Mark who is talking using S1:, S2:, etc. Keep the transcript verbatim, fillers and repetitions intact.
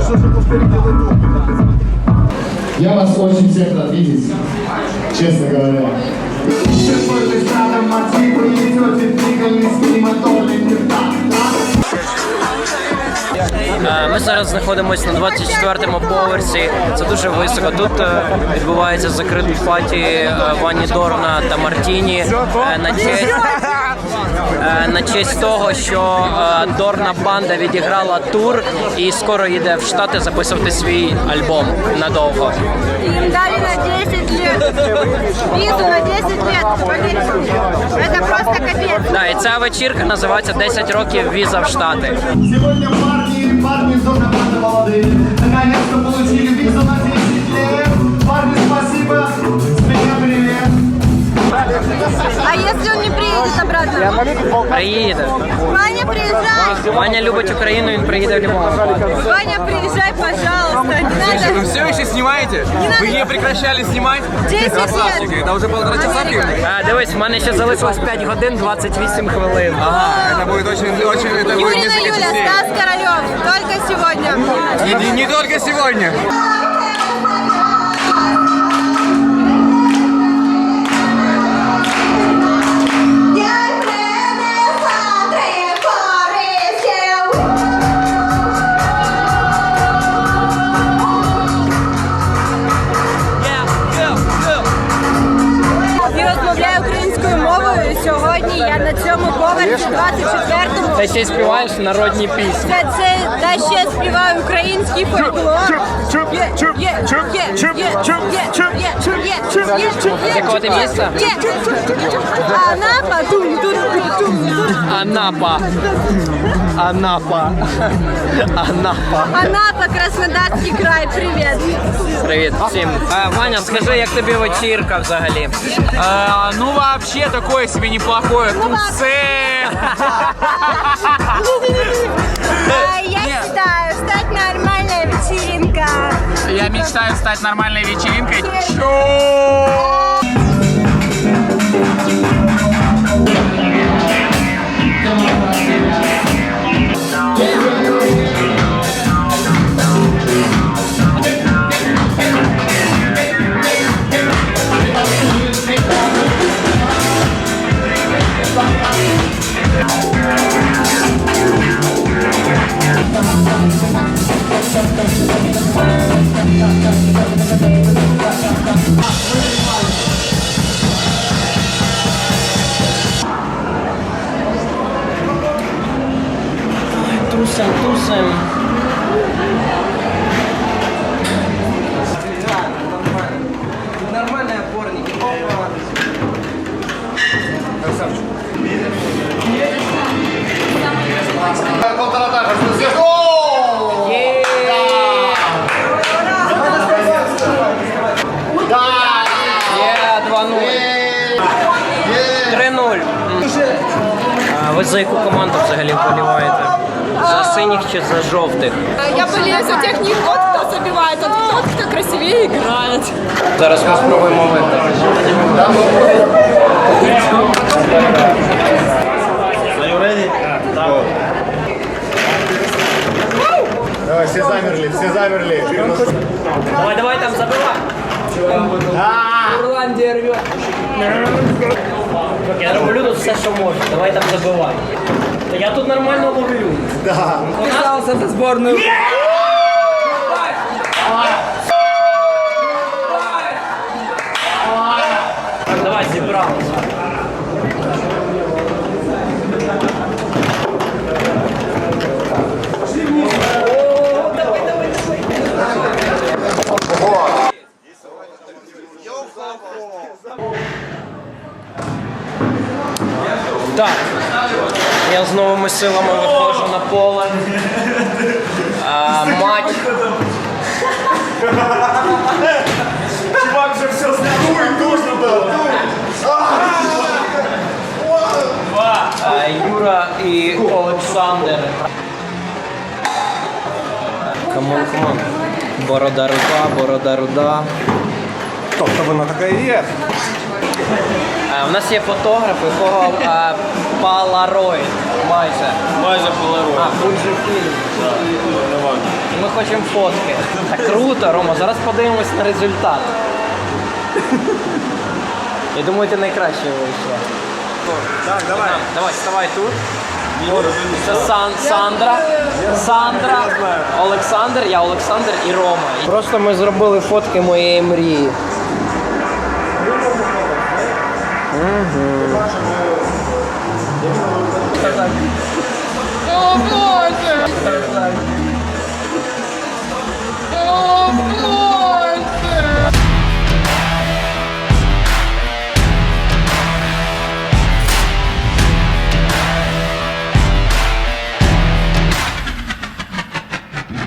S1: Я вас очень всех рад видеть, честно говоря.
S2: Ми зараз знаходимося на двадцять четвертому поверсі. Це дуже високо. Тут відбувається закриті паті Вані Дорна та Мартіні на честь на честь того, що Дорна банда відіграла тур і скоро їде в Штати записувати свій альбом надовго.
S3: Їм дали на десять лет. Візу на десять лет. Це просто капець.
S2: Да, і ця вечірка називається десять років віза в Штати.
S1: Сегодня парни, парни из Дорна банда молодые, наконец-то получили визу на десять лет. Парни, спасибо, с меня привет.
S3: А если он не приедет обратно?
S2: Приїде.
S3: Ваня, приезжай!
S2: Ваня любить Україну, він приїде в будь-якому випадку.
S3: Ваня, приезжай, пожалуйста. Не надо.
S4: Вы все еще снимаете? Вы не прекращали снимать?
S3: десять
S4: Красавчики,
S3: лет.
S4: это уже полтора часа времени.
S2: А, дивись, в мене ще залишилось п'ять годин двадцять вісім хвилин.
S4: Ага, это будет очень, очень, это будет
S3: Юрина
S4: несколько
S3: Юля,
S4: частей.
S3: Стас Королев. Только сегодня.
S4: И не, не только сегодня.
S3: Я розмовляю українською мовою. Сьогодні я на цьому поверсі двадцять четвертому.
S2: Та ще й співаєш народні пісні.
S3: Це, це та ще співаю український фольклор. Є, є, є, є, є, є, є, є, є.
S2: З якого ти міста?
S3: Є. Анапа, тум, тум, тум, тум.
S2: Анапа. Анапа. Анапа.
S3: Анапа, Краснодарський край, привіт.
S2: Привіт всім. А, Ваня, скажи, як тобі вечірка взагалі?
S4: А, ну вообще такое себе неплохое тусе.
S3: А, Я считаю, стать нормальная вечеринка.
S4: Я мечтаю стать нормальной вечеринкой. Чё?
S2: Тусим, тусим. Нормальные опорники.
S4: Красавчик.
S1: Полтора этажа, что здесь?
S2: два нуль. три нуль. А ви за яку команду взагалі вболіваєте? За синіх чи за жовтих?
S5: Я болею за тех не тот, кто забивает, а тот, кто красивее играет.
S2: Зараз ми спробуємо виграти.
S1: Давай, все замерли, все замерли.
S2: Давай, давай там забивай. Ирландия рвет. Я роблю тут все, що можу. Давай там забивай. Та я тут нормально ловлю.
S1: Да.
S2: Пожалуйста, за сборную. Давай, зібралися. Так, я з новими силами виходжу на поле. А, матч.
S1: Чувак же все знает. Дуй, нужно было.
S2: А, Юра і Олександр. Камон, камон. Борода руда, борода руда.
S4: Тобто вона така і є.
S2: А, у нас є фотограф, якого а, Polaroid. Майже.
S4: Майже полароид.
S2: А, Fuji Film. Ми хочемо фотки. Так круто, Рома, зараз подивимось на результат. Я думаю, ти найкраще вийшла.
S1: Так, давай.
S2: Давай, вставай тут. Це Сан, Сандра, Сандра, Олександр, я Олександр і Рома. Просто ми зробили фотки моєї мрії. Угу.